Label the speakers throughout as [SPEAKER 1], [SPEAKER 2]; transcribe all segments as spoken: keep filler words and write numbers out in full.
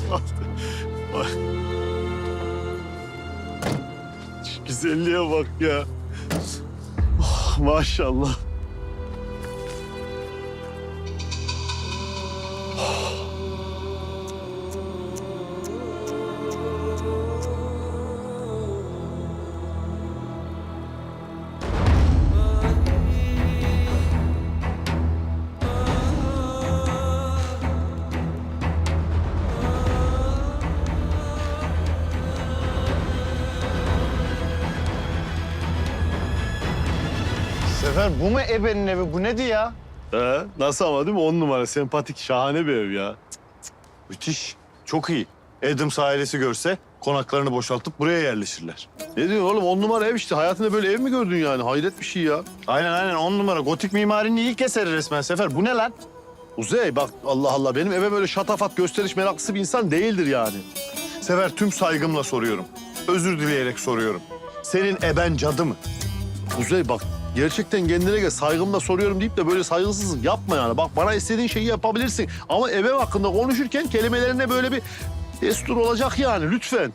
[SPEAKER 1] Bak. Şu güzelliğe bak ya. Oh, maşallah.
[SPEAKER 2] Sefer bu mu ebenin evi? Bu nedir ya?
[SPEAKER 1] He, nasıl ama değil mi? On numara, sempatik, şahane bir ev ya.
[SPEAKER 2] Müthiş. Çok iyi. Adams ailesi görse konaklarını boşaltıp buraya yerleşirler.
[SPEAKER 1] Ne diyorsun oğlum? On numara ev işte. Hayatında böyle ev mi gördün yani? Hayret bir şey ya.
[SPEAKER 2] Aynen aynen on numara. Gotik mimarinin ilk eseri resmen Sefer. Bu ne lan?
[SPEAKER 1] Uzey bak Allah Allah. Benim eve böyle şatafat, gösteriş meraklısı bir insan değildir yani.
[SPEAKER 2] Sefer tüm saygımla soruyorum. Özür dileyerek soruyorum. Senin eben cadı mı?
[SPEAKER 1] Uzey bak gerçekten kendine gel. Saygımla soruyorum deyip de böyle saygısızlık yapma yani. Bak bana istediğin şeyi yapabilirsin. Ama eve hakkında konuşurken kelimelerine böyle bir destur olacak yani. Lütfen.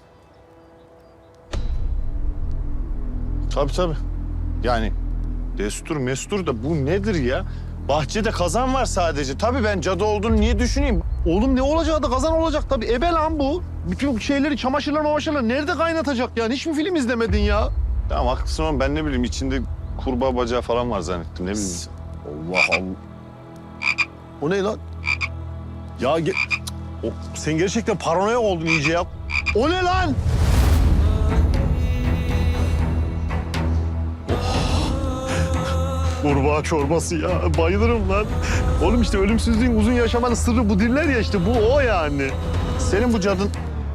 [SPEAKER 2] Tabii tabii. Yani destur mestur da bu nedir ya? Bahçede kazan var sadece. Tabii ben cadı olduğunu niye düşüneyim?
[SPEAKER 1] Oğlum ne olacağı da kazan olacak tabii. Ebe lan bu. Bütün şeyleri, çamaşırlar mamaşırlar nerede kaynatacak yani? Hiç mi film izlemedin ya?
[SPEAKER 2] Tamam haklısın ama ben ne bileyim içinde kurbağa bacağı falan var zannettim. Ne bileyim.
[SPEAKER 1] Allah Allah. O ne lan? Ya ge- o, sen gerçekten paranoya oldun iyice ya. O ne lan? Oh. Kurbağa çorbası ya. Bayılırım lan. Oğlum işte ölümsüzlüğün, uzun yaşamanın sırrı bu diller ya işte. Bu o yani.
[SPEAKER 2] Senin bu cadın...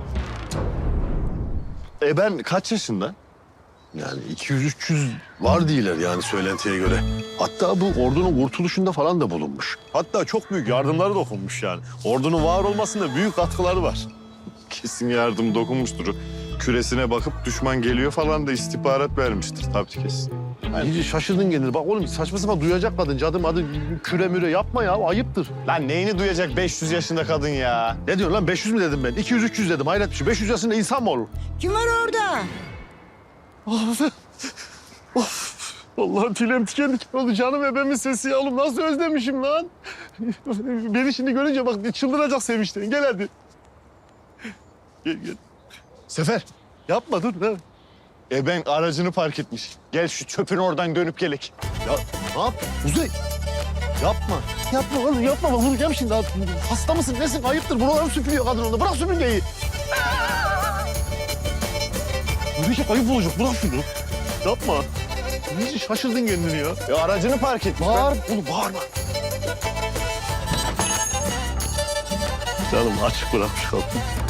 [SPEAKER 2] Eben kaç yaşında?
[SPEAKER 1] Yani iki yüz üç yüz var değiller yani söylentiye göre. Hatta bu ordunun kurtuluşunda falan da bulunmuş. Hatta çok büyük yardımları dokunmuş yani. Ordunun var olmasında büyük katkıları var.
[SPEAKER 2] Kesin yardım dokunmuştur. Küresine bakıp düşman geliyor falan da istihbarat vermiştir tabii kesin.
[SPEAKER 1] Yani iyice şaşırdın kendini. Bak oğlum saçma sapan duyacak kadın. Cadı madı küre müre yapma ya. Ayıptır.
[SPEAKER 2] Lan neyini duyacak beş yüz yaşında kadın ya?
[SPEAKER 1] Ne diyorsun lan? beş yüz mü dedim ben? iki yüz üç yüz dedim. Hayret bir şey. beş yüz yaşında insan mı olur?
[SPEAKER 3] Kim var orada?
[SPEAKER 1] Of. Of. Allah'ım tüylerim tiken tiken oldu. Canım ebemin sesi ya. Oğlum nasıl özlemişim lan. Beni şimdi görünce bak çıldıracak sevinçten. Gel hadi. Gel gel.
[SPEAKER 2] Sefer,
[SPEAKER 1] Yapma dur. Ne?
[SPEAKER 2] eben aracını park etmiş. Gel şu çöpün oradan dönüp gelek.
[SPEAKER 1] Ya ne yap? Uzay. Yapma. Yapma oğlum yapma. Bak vuracağım şimdi. Hasta mısın nesin? Ayıptır. Buraları süpürüyor kadın onda. Bırak süpürgeyi. Yürüyecek ayıp olacak. Bırak şunu. Yapma. İyice şaşırdın kendini ya.
[SPEAKER 2] Ya aracını park etmiş.
[SPEAKER 1] Bağır. Oğlum bağırma. Canım açık bırakmış kaldım.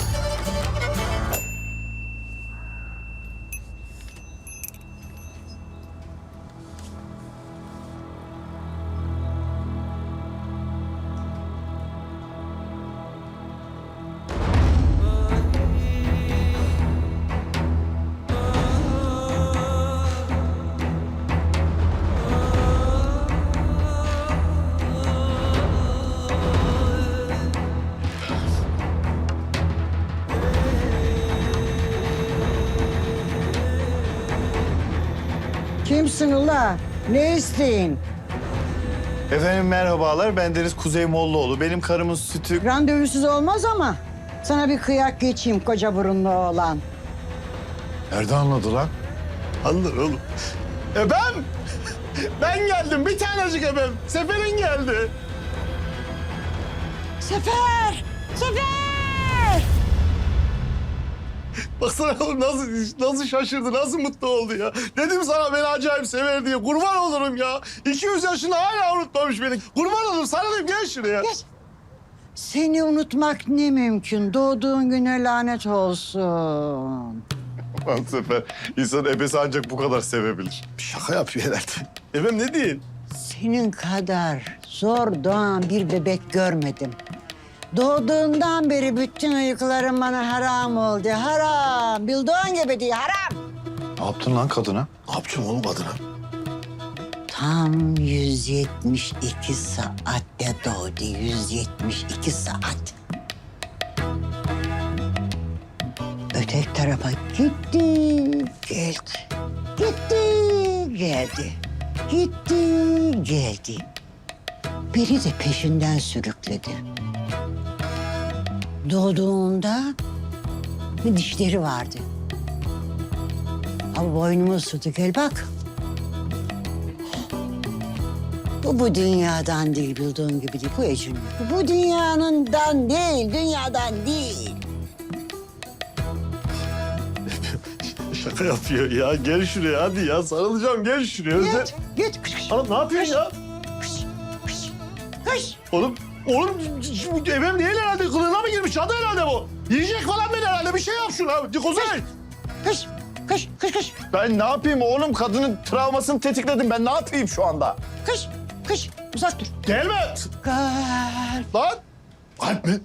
[SPEAKER 3] Kimsin ula? Ne isteyin?
[SPEAKER 2] Efendim merhabalar. Ben Deniz Kuzey Mollaoğlu. Benim karımın sütü...
[SPEAKER 3] Randevusuz olmaz ama. Sana bir kıyak geçeyim koca burunlu oğlan.
[SPEAKER 2] Nerede anladı lan?
[SPEAKER 1] Anlar oğlum.
[SPEAKER 2] Ebem! Ben geldim. Bir tanecik ebem. Sefer'in geldi.
[SPEAKER 3] Sefer! Sefer!
[SPEAKER 1] Baksana oğlum nasıl, nasıl şaşırdı, nasıl mutlu oldu ya. Dedim sana beni acayip sever diye. Kurban olurum ya. iki yüz yaşında hala unutmamış beni. Kurban olurum sana dedim gel şuraya.
[SPEAKER 3] Gel. Seni unutmak ne mümkün? Doğduğun güne lanet olsun.
[SPEAKER 2] Lan Sefer, insan ebesi ancak bu kadar sevebilir.
[SPEAKER 1] Şaka yapıyor herhalde. Efendim ne diyeyim?
[SPEAKER 3] Senin kadar zor doğan bir bebek görmedim. Doğduğundan beri bütün uykularım bana haram oldu. Haram. Bildiğin gibi değil, haram.
[SPEAKER 2] Ne yaptın lan kadına?
[SPEAKER 1] Ne yapacağım oğlum kadına?
[SPEAKER 3] Tam yüz yetmiş iki saatte doğdu. yüz yetmiş iki saat. tarafa gitti, geldi. Gitti, geldi. Gitti, geldi. Biri de peşinden sürükledi. Doğduğunda bir dişleri vardı. Ama boynumu ısırdı, gel bak. Bu bu dünyadan değil, bildiğin gibi değil. Bu Ecrin. Bu dünyanından değil, dünyadan değil.
[SPEAKER 1] Şaka yapıyor ya. Gel şuraya hadi ya. Sarılacağım gel şuraya. Özle-
[SPEAKER 3] Git, git. Kış, kış,
[SPEAKER 1] Oğlum ne yapıyorsun ya?
[SPEAKER 3] kış, kış, kış.
[SPEAKER 1] Oğlum, oğlum şu evim değil herhalde. Kılığına mı girmiş? Adı herhalde bu. Yiyecek falan beni herhalde. Bir şey yap şuna. Kuzey.
[SPEAKER 3] Kış, kış, kış, kış,
[SPEAKER 2] Ben ne yapayım oğlum? Kadının travmasını tetikledim. Ben ne yapayım şu anda?
[SPEAKER 3] kış, kış. Uzak dur.
[SPEAKER 1] Gelme.
[SPEAKER 3] Gel.
[SPEAKER 1] Lan. Kalp mi?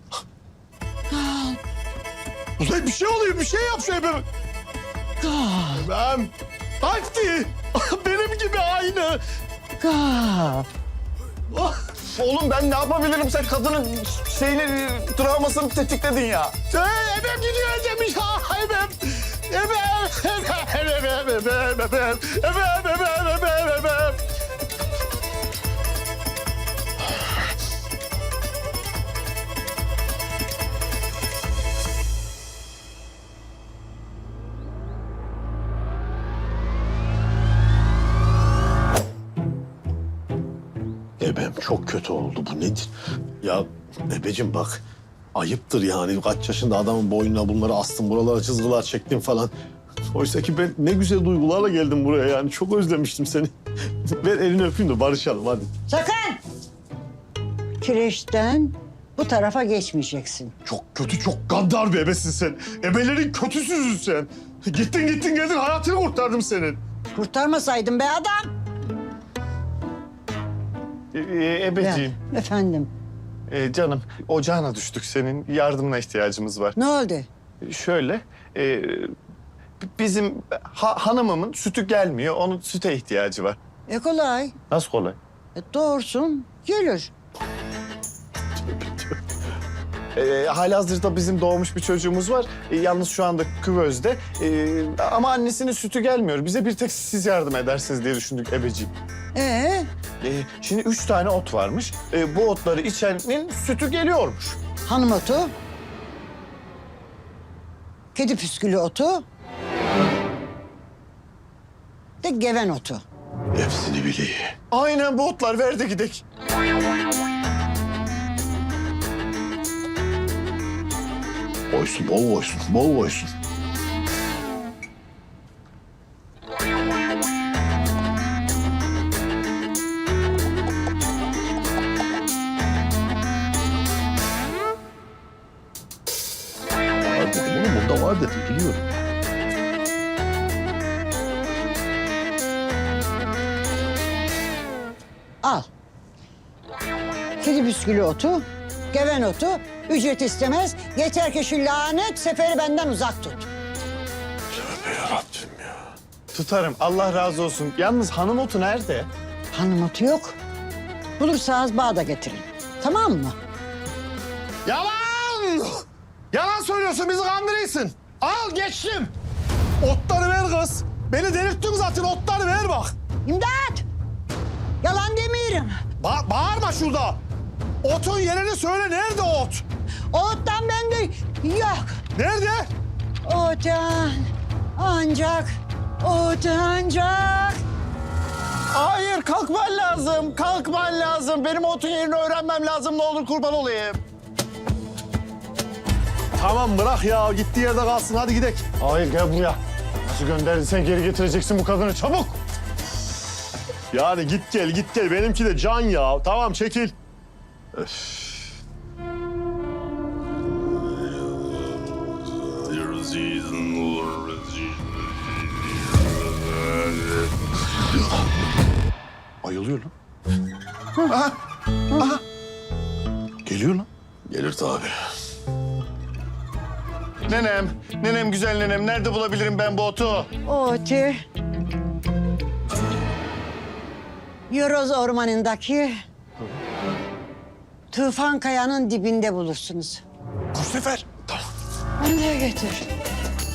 [SPEAKER 1] Kuzey bir şey oluyor. Bir şey yap şu evime.
[SPEAKER 3] Gel.
[SPEAKER 1] Ben. Kalp değil. Benim gibi aynı.
[SPEAKER 3] Gel.
[SPEAKER 2] Oğlum ben ne yapabilirim? Sen kadının şeyini, travmasını tetikledin ya.
[SPEAKER 1] Hey, ebem gidiyor demiş ha ebem. Ebem, ebem, ebem, ebem, ebem, ebem, ebem, ebem, ebem.
[SPEAKER 4] Ebem çok kötü oldu. Bu nedir? Ya ebeciğim bak. Ayıptır yani. Kaç yaşında adamın boynuna bunları astın. Buralara çizgiler çektin falan. Oysa ki ben ne güzel duygularla geldim buraya yani. Çok özlemiştim seni. Ver elini öpeyim de barışalım hadi.
[SPEAKER 3] Sakın! Kireçten bu tarafa geçmeyeceksin.
[SPEAKER 1] Çok kötü, çok gaddar bir ebesin sen. Ebelerin kötüsüzün sen. Gittin gittin geldin hayatını kurtardım senin.
[SPEAKER 3] Kurtarmasaydın be adam.
[SPEAKER 2] Ee, e, ebeciğim,
[SPEAKER 3] Ya, efendim,
[SPEAKER 2] e, canım ocağına düştük senin. Yardımına ihtiyacımız var.
[SPEAKER 3] ne oldu?
[SPEAKER 2] Şöyle, e, bizim ha- hanımımın sütü gelmiyor. Onun süte ihtiyacı var.
[SPEAKER 3] E kolay.
[SPEAKER 2] Nasıl kolay?
[SPEAKER 3] E, doğursun, gelir.
[SPEAKER 2] E, halihazırda bizim doğmuş bir çocuğumuz var. E, yalnız şu anda küvezde. E, ama annesinin sütü gelmiyor. Bize bir tek siz yardım edersiniz diye düşündük ebeciğim.
[SPEAKER 3] Ee,
[SPEAKER 2] E, şimdi üç tane ot varmış. E, bu otları içenin sütü geliyormuş.
[SPEAKER 3] hanım otu, kedi püskülü otu, de geven otu.
[SPEAKER 4] Hepsini bileyim.
[SPEAKER 2] Aynen bu otlar verdi gidek.
[SPEAKER 4] Koysun, bol koysun, bol koysun. Var dedim oğlum, bunda var dedim, biliyorum.
[SPEAKER 3] Al. Kedi püskülü otu, geven otu, ücret istemez. Yeter ki şu lanet seferi benden uzak tut.
[SPEAKER 4] Tövbe yarabbim ya.
[SPEAKER 2] Tutarım. Allah razı olsun. Yalnız hanım otu nerede?
[SPEAKER 3] Hanım otu yok. Bulursanız bağda getirin. Tamam mı?
[SPEAKER 1] Yalan! Yalan söylüyorsun, bizi kandırıyorsun. Al geçtim. Otları ver kız. Beni delirttin zaten, otları ver bak.
[SPEAKER 3] İmdat! Yalan demiyorum.
[SPEAKER 1] Ba- bağırma şurada. Otun yerini söyle, nerede ot?
[SPEAKER 3] Ottan bende yok.
[SPEAKER 1] Nerede?
[SPEAKER 3] Otan ancak, ot ancak.
[SPEAKER 2] Hayır, kalkman lazım. Kalkman lazım. Benim otun yerini öğrenmem lazım. Ne olur kurban olayım.
[SPEAKER 1] Tamam bırak ya, gittiği yerde kalsın, hadi gidelim.
[SPEAKER 2] Hayır, gel buraya. Nasıl gönderdin sen geri getireceksin bu kadını çabuk.
[SPEAKER 1] Yani git gel, git gel. Benimki de can ya. Tamam çekil.
[SPEAKER 4] Ayılıyor lan. Aha, aha. Geliyor lan. Gelir tabii.
[SPEAKER 2] Nenem, nenem güzel nenem. Nerede bulabilirim ben bu otu?
[SPEAKER 3] Otu. Yoroz ormanındaki Tufan Kaya'nın dibinde bulursunuz.
[SPEAKER 4] Bu sefer. Tamam.
[SPEAKER 3] Onu da getir.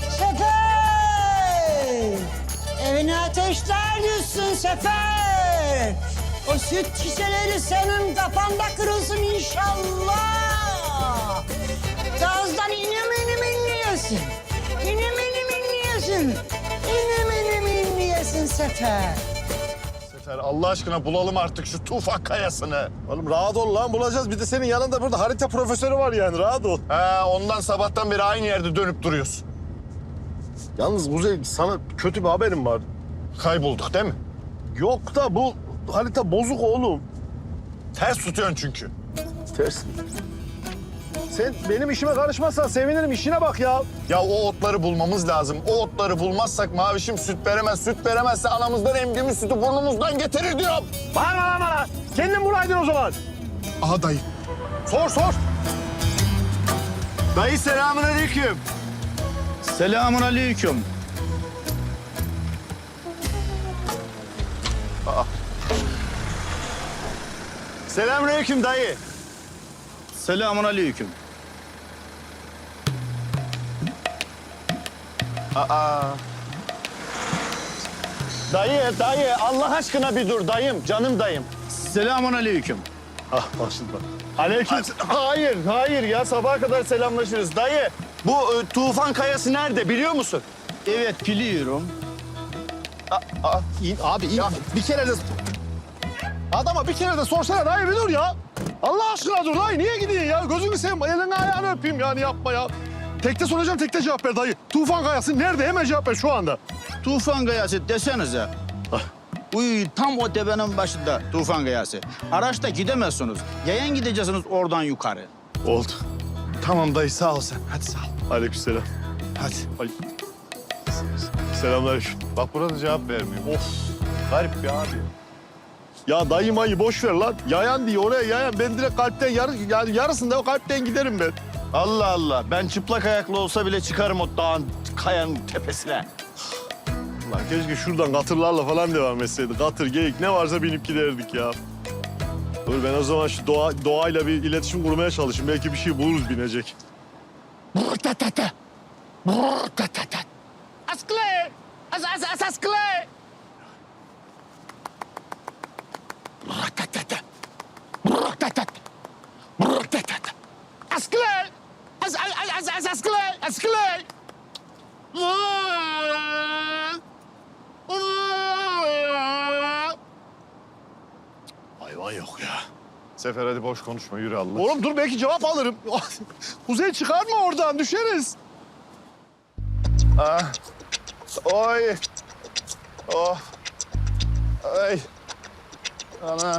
[SPEAKER 3] evine ateşler düşsün Sefer. O süt şişeleri senin kafanda kırılsın inşallah. Gazdan inim inim inliyorsun. İnim inim inliyorsun. İnim inim inliyorsun Sefer.
[SPEAKER 2] Sefer Allah aşkına bulalım artık şu Tufan Kayası'nı.
[SPEAKER 1] Oğlum rahat ol lan, bulacağız. Bir de senin yanında burada harita profesörü var yani, rahat ol.
[SPEAKER 2] He, ondan sabahtan beri aynı yerde dönüp duruyorsun.
[SPEAKER 1] Yalnız Kuzey, sana kötü bir haberim var.
[SPEAKER 2] Kaybolduk değil mi?
[SPEAKER 1] Yok da bu harita bozuk oğlum.
[SPEAKER 2] Ters tutuyorsun çünkü.
[SPEAKER 1] Ters mi? Sen benim işime karışmazsan sevinirim, işine bak ya.
[SPEAKER 2] Ya o otları bulmamız lazım. O otları bulmazsak Mavişim süt veremez. Süt veremezse anamızdan emdiğimiz sütü burnumuzdan getirir diyorum.
[SPEAKER 1] Bağırma lan bana. Kendin bulaydın o zaman.
[SPEAKER 2] Aha dayı.
[SPEAKER 1] Sor sor.
[SPEAKER 2] Dayı selamünaleyküm.
[SPEAKER 5] Selamun aleyküm.
[SPEAKER 2] Selamünaleyküm dayı.
[SPEAKER 5] Selamun aleyküm.
[SPEAKER 2] Aa. Dayı, dayı Allah aşkına bir dur dayım, canım dayım.
[SPEAKER 5] Selamun aleyküm.
[SPEAKER 1] Ah başladı bak.
[SPEAKER 2] Aleyküm. Hayır, hayır ya sabaha kadar selamlaşırız. Dayı, bu e, Tufan Kayası nerede biliyor musun?
[SPEAKER 5] Evet biliyorum.
[SPEAKER 1] Aa, in, abi in. Bir kere de... Adama bir kere de sorsana dayı, bir dur ya. Allah aşkına dur dayı, niye gidiyorsun ya? Gözünü seveyim, elini ayağını öpeyim yani, yapma ya. Tekte soracağım, tekte cevap ver dayı. Tufan Kayası nerede? Hemen cevap ver şu anda.
[SPEAKER 5] Tufan Kayası desenize. Uy, tam o tepenin başında Tufan Kayası. Araçta gidemezsiniz. Yayan gideceksiniz oradan yukarı.
[SPEAKER 1] Oldu.
[SPEAKER 2] Tamam dayı sağ ol sen. Hadi sağ ol.
[SPEAKER 1] Aleykümselam.
[SPEAKER 2] Hadi.
[SPEAKER 1] Ay. Selamünaleyküm.
[SPEAKER 2] Bak burada cevap vermiyor. Of. Garip bir abi.
[SPEAKER 1] Ya dayı mayı boş ver lan. Yayan diye oraya yayan. Ben direkt kalpten yarı, yani yarısında o kalpten giderim ben.
[SPEAKER 2] Allah Allah. Ben çıplak ayaklı olsa bile çıkarım o dağın, kayanın tepesine.
[SPEAKER 1] Lan keşke şuradan katırlarla falan devam etseydik. Katır, geyik ne varsa binip giderdik ya. Dur ben o zaman şu doğa, doğayla bir iletişim kurmaya çalışayım. Belki bir şey buluruz binecek.
[SPEAKER 6] Askle! As as as askle! Askle! As as as as askle! Askle!
[SPEAKER 1] Hayvan yok ya.
[SPEAKER 2] Sefer hadi boş konuşma yürü Allah.
[SPEAKER 1] Oğlum dur, belki cevap alırım. Kuzey çıkarma oradan, düşeriz.
[SPEAKER 2] Ah. Oy. Oh. Ay. Ana.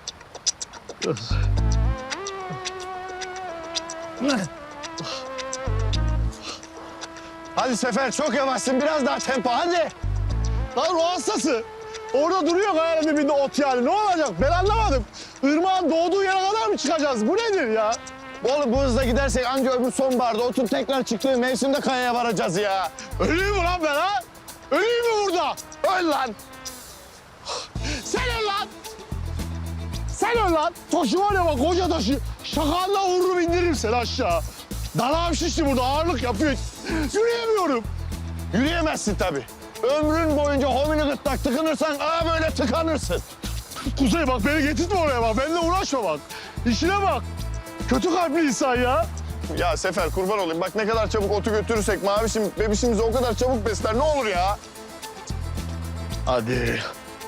[SPEAKER 2] Hadi Sefer çok yavaşsın biraz daha tempo hadi.
[SPEAKER 1] Lan ruh hastası. Orada duruyor kayanın dibinde ot yani. Ne olacak? Ben anlamadım. Irmağın doğduğu yere kadar mı çıkacağız? Bu nedir ya?
[SPEAKER 2] Oğlum bu hızla gidersek anca öbür sonbaharda otun tekrar çıktığı mevsimde kayaya varacağız ya.
[SPEAKER 1] Öleyim mi lan ben ha? Öleyim mi burada?
[SPEAKER 2] Öl lan.
[SPEAKER 1] Sen öl lan! Sen öl lan! Taşı var ya bak, koca taşı. Şakanla vururum, indiririm seni aşağı. Dalağım şişti burada, ağırlık yapıyor. Yürüyemiyorum.
[SPEAKER 2] Yürüyemezsin tabii. Ömrün boyunca homini gırtlak tıkınırsan aa böyle tıkanırsın.
[SPEAKER 1] Kuzey bak, beni getirtme oraya bak. Benimle uğraşma bak. İşine bak. Kötü kalpli insan ya.
[SPEAKER 2] Ya Sefer kurban olayım bak ne kadar çabuk otu götürürsek Mavişim bebişimizi o kadar çabuk besler ne olur ya.
[SPEAKER 1] Hadi.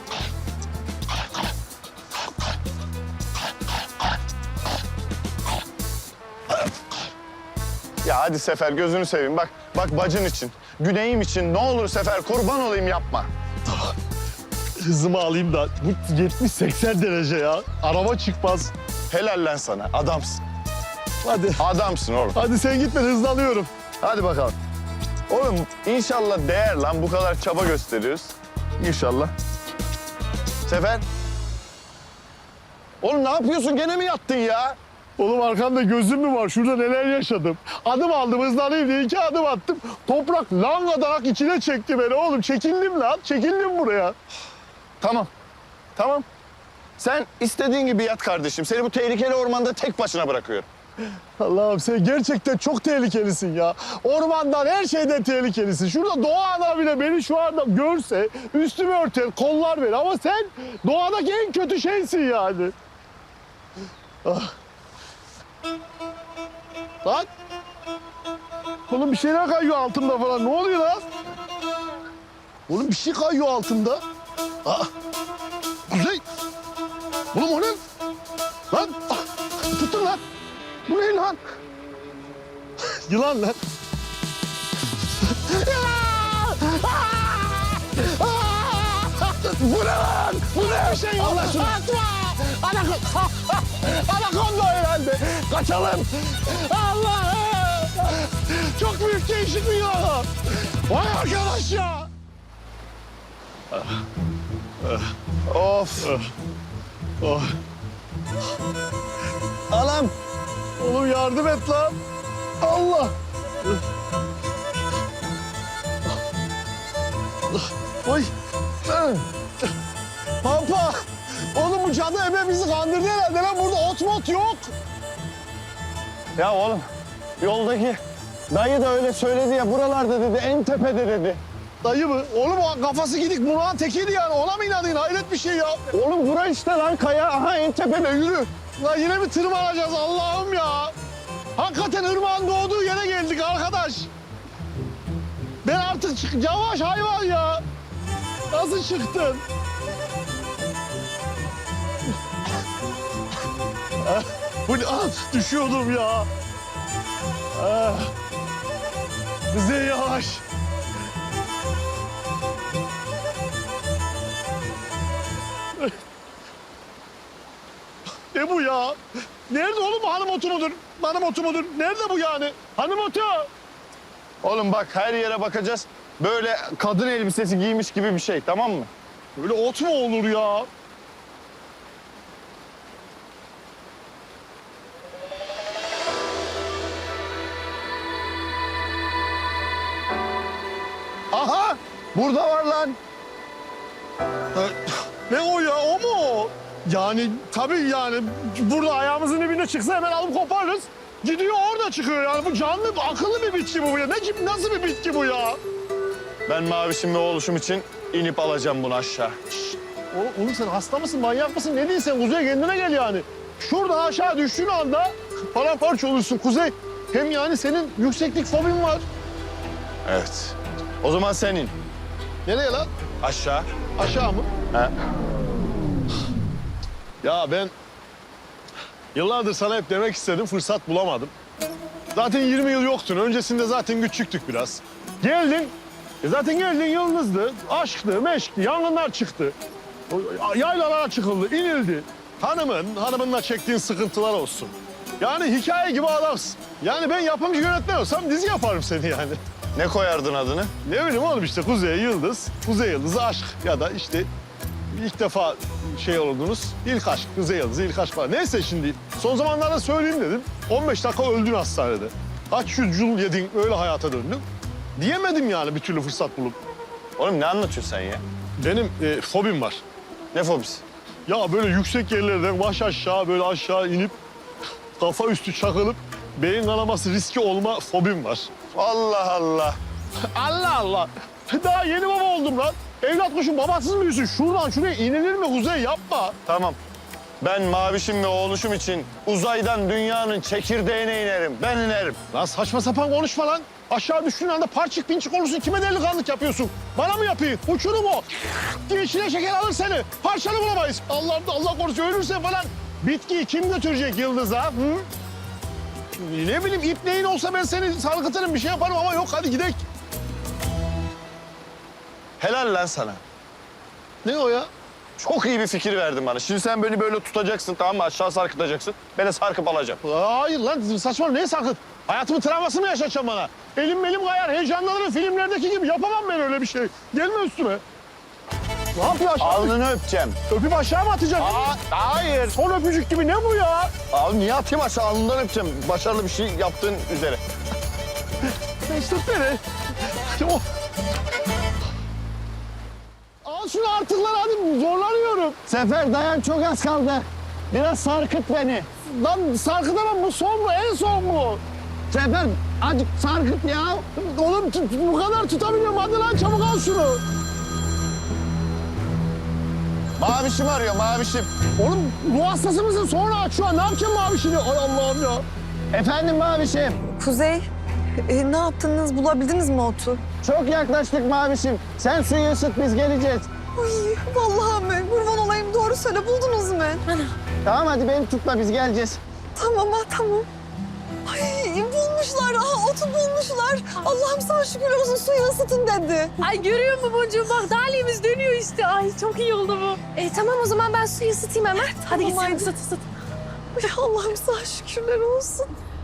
[SPEAKER 2] Ya hadi Sefer gözünü seveyim bak. Bak bacın için, güneyim için ne olur Sefer kurban olayım yapma.
[SPEAKER 1] Hızımı alayım da bu yetmiş seksen derece ya. Araba çıkmaz.
[SPEAKER 2] Helal lan sana adamsın.
[SPEAKER 1] Hadi.
[SPEAKER 2] Adamsın oğlum.
[SPEAKER 1] Hadi sen git, ben hızlanıyorum.
[SPEAKER 2] Hadi bakalım. Oğlum inşallah değer lan bu kadar çaba gösteriyoruz. İnşallah. Sefer. Oğlum ne yapıyorsun gene mi yattın ya?
[SPEAKER 1] Oğlum arkamda gözüm mü var? Şurada neler yaşadım. Adım aldım, hızlanayım diye iki adım attım. Toprak langadarak içine çekti beni oğlum. Çekildim lan, çekildim buraya.
[SPEAKER 2] Tamam. Tamam. Sen istediğin gibi yat kardeşim. Seni bu tehlikeli ormanda tek başına bırakıyorum.
[SPEAKER 1] Allah'ım sen gerçekten çok tehlikelisin ya. Ormandan her şeyden tehlikelisin. Şurada doğa ana bile beni şu anda görse üstümü örter, kollar verir. Ama sen doğadaki en kötü şeysin yani. Ah. Lan. Oğlum bir şeyler kayıyor altımda falan. Ne oluyor lan? Oğlum bir şey kayıyor altımda. Aa. Kuzey. Oğlum o ne? Lan. Ah. Tutun lan. Bu ne lan? Yılan lan. Bu ne lan? Bu ne bir şey? Allah şunu. Anakonda herhalde. Kaçalım. Allah! Çok büyük değişik bir yılan. Vay arkadaş ya.
[SPEAKER 2] Of.
[SPEAKER 1] Oh.
[SPEAKER 2] Anam.
[SPEAKER 1] Oğlum yardım et lan. Allah. Oy. Pampa. Oğlum bu cadı ebe bizi kandırdı herhalde lan. Burada ot mot yok.
[SPEAKER 2] Ya oğlum yoldaki dayı da öyle söyledi ya buralarda dedi en tepede dedi.
[SPEAKER 1] Dayı mı? Oğlum o kafası gidik Murat'ın tekiydi yani. Ona mı inandın? Hayret bir şey ya.
[SPEAKER 2] Oğlum bura işte lan kaya aha en tepede yürü.
[SPEAKER 1] Lan yine mi tırmanacağız Allah'ım ya? Hakikaten ırmağın doğduğu yere geldik arkadaş. Ben artık çık yavaş hayvan ya. Nasıl çıktın? Ah, bu ne? Ah, düşüyordum ya. Ah. Bize yavaş. Ne bu ya? Nerede oğlum bu hanım otu mudur? Hanım otu mudur? Nerede bu yani? Hanım otu.
[SPEAKER 2] Oğlum bak her yere bakacağız. Böyle kadın elbisesi giymiş gibi bir şey tamam mı?
[SPEAKER 1] Böyle ot mu olur ya?
[SPEAKER 2] Aha burada var lan.
[SPEAKER 1] Ne o ya? O mu o? Yani tabii yani burada ayağımızın dibine çıksa hemen alıp koparırız. Gidiyor orada çıkıyor yani. Bu canlı, akıllı bir bitki bu ya. Ne gibi, nasıl bir bitki bu ya?
[SPEAKER 2] Ben mavişim ve oğluşum için inip alacağım bunu aşağı.
[SPEAKER 1] Oğlum, oğlum sen hasta mısın, manyak mısın? Ne diyorsun sen? Kuzey kendine gel yani. Şuradan aşağı düştüğün anda paramparça olursun Kuzey. Hem yani senin yükseklik fobin var.
[SPEAKER 2] Evet. O zaman senin.
[SPEAKER 1] Nereye lan?
[SPEAKER 2] Aşağı.
[SPEAKER 1] Aşağı mı?
[SPEAKER 2] He.
[SPEAKER 1] Ya ben yıllardır sana hep demek istedim, fırsat bulamadım. Zaten yirmi yıl yoktun. Öncesinde zaten küçüktük biraz. Geldin. E zaten geldin yıldızdı. Aşktı, meşkti, yangınlar çıktı. O- Yaylalara çıkıldı, inildi. Hanımın, hanımınla çektiğin sıkıntılar olsun. Yani hikaye gibi adamsın. Yani ben yapımcı yönetmen olsam dizi yaparım seni yani.
[SPEAKER 2] Ne koyardın adını?
[SPEAKER 1] Ne bileyim oğlum işte Kuzey Yıldız, Kuzey Yıldızı aşk ya da işte ilk defa şey oldunuz, ilk aşk, Kuzey Yıldızı ilk aşk falan. Neyse şimdi son zamanlarda söyleyeyim dedim. on beş dakika öldün hastanede. Kaç yüz yıl yedin öyle hayata döndün. Diyemedim yani bir türlü fırsat bulup.
[SPEAKER 2] Oğlum ne anlatıyorsun sen ya?
[SPEAKER 1] Benim e, fobim var.
[SPEAKER 2] Ne fobisi?
[SPEAKER 1] Ya böyle yüksek yerlerden baş aşağı böyle aşağı inip kafa üstü çakılıp beyin kanaması riski olma fobim var.
[SPEAKER 2] Allah Allah.
[SPEAKER 1] Allah Allah. Daha yeni baba oldum lan. Evlat kuşun babasız mı büyüsün? Şuradan şuraya inilir mi Kuzey? Yapma.
[SPEAKER 2] Tamam. Ben mavişim ve oğluşum için uzaydan dünyanın çekirdeğine inerim. Ben inerim.
[SPEAKER 1] Lan saçma sapan konuşma lan. Aşağı düştüğün anda parçık pinçik olursun. Kime delikanlık yapıyorsun? Bana mı yapayım? Uçurum o. Diye içine şeker alır seni. Parçanı bulamayız. Allah Allah korusun ölürsen falan. Bitkiyi kim götürecek Yıldız'a? Hı? Ne bileyim ipneğin olsa ben seni sarkıtırım bir şey yaparım ama yok hadi gidelim.
[SPEAKER 2] Helal lan sana.
[SPEAKER 1] Ne o ya?
[SPEAKER 2] Çok iyi bir fikir verdin bana. Şimdi sen beni böyle tutacaksın tamam mı? Aşağı sarkıtacaksın. Ben de sarkıp alacağım.
[SPEAKER 1] Hayır lan saçma neye sarkıt? Hayatımın travmasını mı yaşatacaksın bana? Elim belim kayar, heyecanlanırım filmlerdeki gibi. Yapamam ben öyle bir şey. Gelme üstüme. Ne yapıyor aşağı?
[SPEAKER 2] Alnını öpeceğim.
[SPEAKER 1] Öpüp aşağı mı atacaksın?
[SPEAKER 2] Aa, hayır.
[SPEAKER 1] Son öpücük gibi ne bu ya?
[SPEAKER 2] Abi niye atayım aşağı? Alnından öpeceğim. Başarılı bir şey yaptığın üzere.
[SPEAKER 1] Mesut beni. O... Al şunu artık lan hadi zorlanıyorum.
[SPEAKER 2] Sefer dayan çok az kaldı. Biraz sarkıt beni.
[SPEAKER 1] Lan sarkıtamam, bu son mu? En son mu? Sefer azıcık sarkıt ya. Oğlum tut, bu kadar tutabiliyorum. Hadi lan çabuk al şunu.
[SPEAKER 2] Mavişim arıyor, mavişim.
[SPEAKER 1] Oğlum ruh hastası mısın? Sonra aç şu an. Ne yapacağım mavişini? Ay Allah'ım ya. Efendim mavişim.
[SPEAKER 7] Kuzey, e, ne yaptınız? Bulabildiniz mi otu?
[SPEAKER 1] Çok yaklaştık mavişim. Sen suyu ısıt, biz geleceğiz.
[SPEAKER 7] Ay vallahi mi? Kurban olayım, doğru söyle, buldunuz mu?
[SPEAKER 1] Tamam hadi beni tutma, biz geleceğiz.
[SPEAKER 7] Tamam ha, tamam. Ay bulmuşlar, aha otu bulmuşlar. Allah'ım sana şükür olsun, suyu ısıtın dedi.
[SPEAKER 8] Ay görüyor musun boncuğum? Bak dalimiz dönüyor işte. Ay çok iyi oldu bu. E tamam o zaman ben suyu ısıtayım hemen. Hadi git sen
[SPEAKER 7] haydi.
[SPEAKER 8] ısıt ısıt.
[SPEAKER 7] Ay Allah'ım sana şükürler olsun.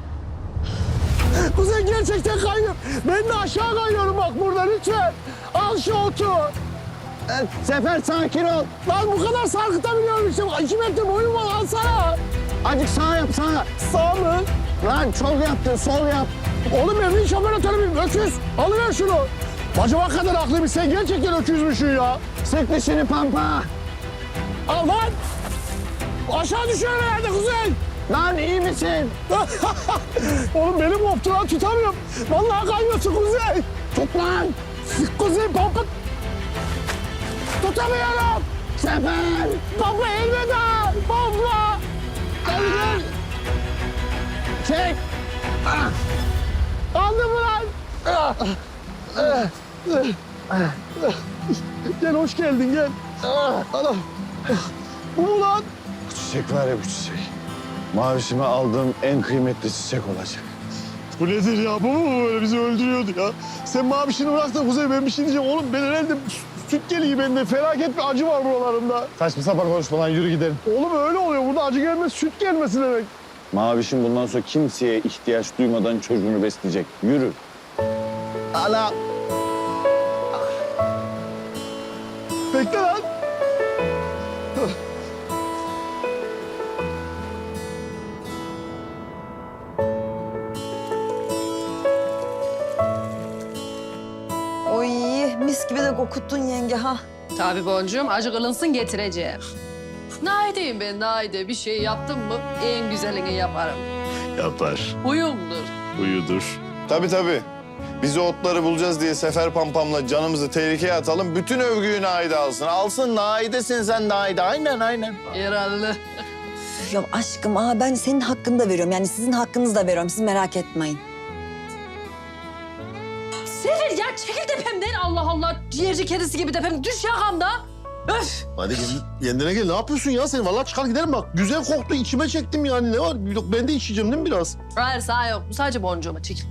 [SPEAKER 1] Kuzey gerçekten kayıyor. Ben de aşağı kayıyorum bak burada lütfen. Al şu otu. Ee, Sefer sakin ol. Lan bu kadar sarkıtabiliyorum işte. İki metre boyum var alsana. Azıcık sağ yap sağ. Sağ mı? Lan sol yaptın sol yap. Oğlum ben vinç operatörüyüm öküz. Alıver şunu. Acaba kadar haklıymış sen gerçekten öküzmüşsün ya. Sık dişini pampa. Al lan. Aşağı düşüyor herhalde Kuzey. Lan iyi misin? Oğlum benim koptu lan tutamıyorum. Vallahi kayıyorsun Kuzey. Tut lan. Kuzey pompa. Tutamıyorum. Sefer. Pompa elveda. Pompa. Gel gel. Çek. Ah. Aldı mı lan? Ah. Ah. Ah. Gel hoş geldin gel. Ah. Anam. Bu mu lan?
[SPEAKER 2] Bu çiçek var ya bu çiçek. Mavişime aldığım en kıymetli çiçek olacak.
[SPEAKER 1] Bu nedir ya? Bu mu böyle bizi öldürüyordu ya? Sen mavişini bırak da Kuzey ben bir şey diyeceğim. Oğlum ben herhalde süt geliyor bende. Felaket bir acı var buralarımda.
[SPEAKER 2] Saçma sapan konuşma lan yürü gidelim.
[SPEAKER 1] Oğlum öyle oluyor. Burada acı gelmez, süt gelmesi demek.
[SPEAKER 2] Mavişim bundan sonra kimseye ihtiyaç duymadan çocuğunu besleyecek. Yürü.
[SPEAKER 1] Ala. Bekle lan.
[SPEAKER 7] Oy mis gibi de kokuttun yenge ha.
[SPEAKER 8] Tabii boncuğum acı kılınsın getireceğim. Naideyim ben naide. Bir şey yaptım mı en güzelini yaparım.
[SPEAKER 2] Yapar.
[SPEAKER 8] Huyumdur.
[SPEAKER 2] Uyudur. Tabii tabii. Biz o otları bulacağız diye Sefer Pampam'la canımızı tehlikeye atalım. Bütün övgüyü Naide alsın. Alsın Naide'sin sen Naide. Aynen aynen.
[SPEAKER 8] Herhalde.
[SPEAKER 7] Ya aşkım aa ben senin hakkını da veriyorum. Yani sizin hakkınızı da veriyorum. Siz merak etmeyin.
[SPEAKER 8] Sefer ya çekil tepemden Allah Allah. Ciğerci kedisi gibi tepem. Düş yakamda. Öf.
[SPEAKER 4] Hadi kendine gel. Ne yapıyorsun ya sen? Vallahi çıkar gidelim bak. Güzel koktu. İçime çektim yani. Ne var? Yok, ben de içeceğim değil mi biraz?
[SPEAKER 8] Hayır sağ yok. Bu sadece boncuğuma çekil.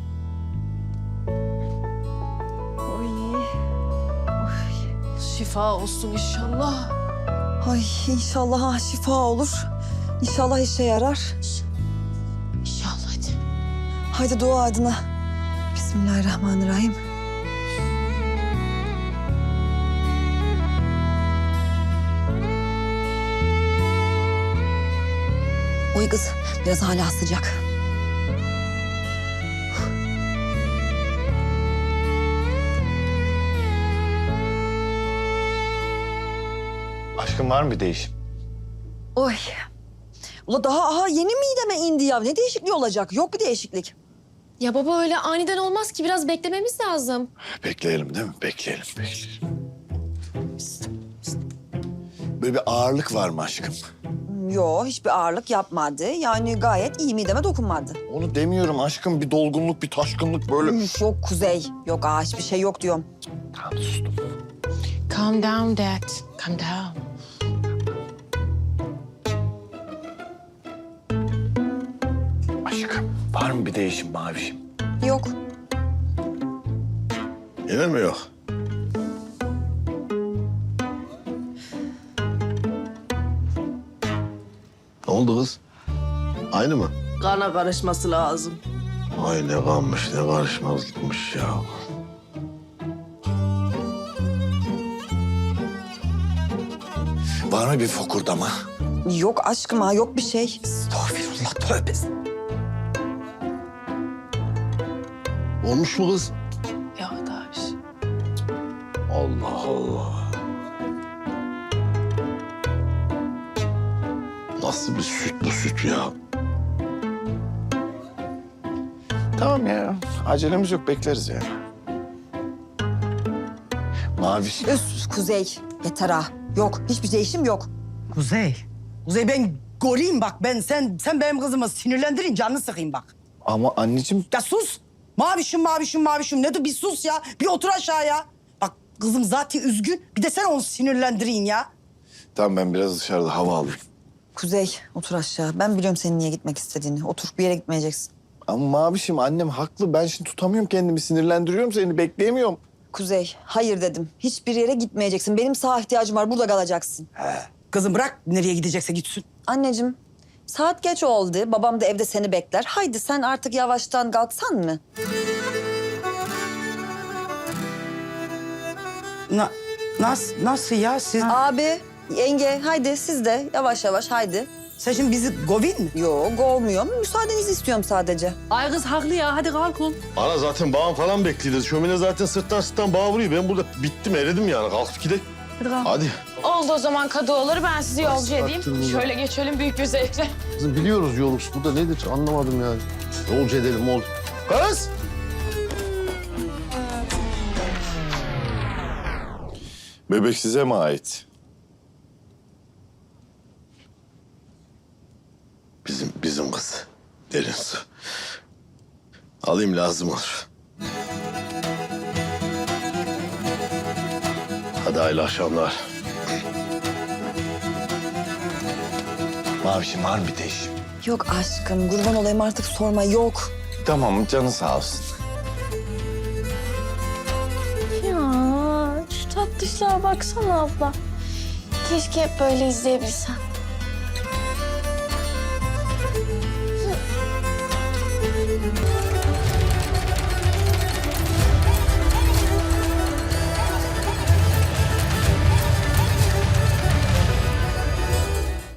[SPEAKER 7] Oy.
[SPEAKER 8] Şifa olsun inşallah.
[SPEAKER 7] Ay inşallah ha, şifa olur. İnşallah işe yarar.
[SPEAKER 8] İnşallah hadi.
[SPEAKER 7] Haydi dua adına. Bismillahirrahmanirrahim. Oy kız biraz hala sıcak.
[SPEAKER 2] Aşkım var mı bir değişim?
[SPEAKER 7] Oy. Ula daha aha yeni mideme indi ya. Ne değişikliği olacak? Yok bir değişiklik.
[SPEAKER 9] Ya baba öyle aniden olmaz ki biraz beklememiz lazım.
[SPEAKER 2] Bekleyelim değil mi? Bekleyelim, bekleyelim. Böyle bir ağırlık var mı aşkım?
[SPEAKER 7] Yo hiçbir ağırlık yapmadı. Yani gayet iyi mideme dokunmadı.
[SPEAKER 2] Onu demiyorum aşkım. Bir dolgunluk, bir taşkınlık böyle.
[SPEAKER 7] Üf, yok Kuzey. Yok aa hiçbir şey yok diyorum.
[SPEAKER 2] Tamam sustum.
[SPEAKER 9] Calm down dad. Calm down.
[SPEAKER 2] Aşkım var mı bir değişim mavişim?
[SPEAKER 7] Yok.
[SPEAKER 4] Gelir mi yok? Ne oldu kız? Aynı mı?
[SPEAKER 8] Kana karışması lazım.
[SPEAKER 4] Ay ne kanmış ne karışmazlıkmış ya.
[SPEAKER 2] Var mı bir fokurdama?
[SPEAKER 7] Yok aşkım ha yok bir şey.
[SPEAKER 2] Estağfirullah tövbe.
[SPEAKER 4] Olmuş mu kız?
[SPEAKER 8] Ya daha bir şey.
[SPEAKER 4] Allah Allah. Nasıl bir süt bu süt ya?
[SPEAKER 2] Tamam ya. Acelemiz yok, bekleriz ya. Maviş.
[SPEAKER 7] Üf Kuzey. Yeter ha. Yok hiçbir değişim yok.
[SPEAKER 10] Kuzey. Kuzey ben goleyim bak ben sen sen benim kızımı sinirlendirin canını sıkayım bak.
[SPEAKER 2] Ama anneciğim...
[SPEAKER 10] Ya sus. Mavişim mavişim mavişim ne de bir sus ya. Bir otur aşağıya. Bak kızım zaten üzgün. Bir de sen onu sinirlendirin ya.
[SPEAKER 2] Tamam, ben biraz dışarıda hava alayım.
[SPEAKER 7] Kuzey otur aşağı. Ben biliyorum senin niye gitmek istediğini. Otur bir yere gitmeyeceksin.
[SPEAKER 2] Ama Mavişim, annem haklı. Ben şimdi tutamıyorum kendimi, sinirlendiriyorum seni, bekleyemiyorum.
[SPEAKER 7] Kuzey hayır dedim. Hiçbir yere gitmeyeceksin. Benim sağa ihtiyacım var. Burada kalacaksın.
[SPEAKER 10] Kızım bırak nereye gidecekse gitsin.
[SPEAKER 7] Anneciğim saat geç oldu. Babam da evde seni bekler. Haydi sen artık yavaştan kalksan mı?
[SPEAKER 10] Na, nasıl, nasıl ya siz?
[SPEAKER 7] Abi, yenge haydi siz de yavaş yavaş haydi.
[SPEAKER 10] Sen şimdi bizi govin mi?
[SPEAKER 7] Yok olmuyor. Müsaadenizi istiyorum sadece.
[SPEAKER 8] Ay kız haklı ya hadi kalkın.
[SPEAKER 4] Ana zaten bağım falan bekliyordu. Şömine zaten sırttan sırttan bağ vuruyor. Ben burada bittim, eridim yani. Kalkıp gidelim.
[SPEAKER 8] Hadi kalk.
[SPEAKER 4] Hadi.
[SPEAKER 9] Oldu o zaman Kadıoğulları ben sizi yolcu edeyim.
[SPEAKER 1] sattın bunu?
[SPEAKER 9] Şöyle geçelim büyük bir zevkle.
[SPEAKER 1] Kızım biliyoruz yolumuz. Bu da nedir anlamadım yani. Yolcu edelim ol.
[SPEAKER 2] Kız! Bebek size mi ait?
[SPEAKER 4] Bizim, bizim kız. Derin su. Alayım lazım olur. Hadi hayırlı akşamlar.
[SPEAKER 2] Mavişim var mı bir değişim?
[SPEAKER 7] Yok aşkım kurban olayım artık sorma yok.
[SPEAKER 2] Tamam, canı sağ olsun.
[SPEAKER 9] Ya şu tatlışlığa baksana abla. Keşke hep böyle izleyebilsem.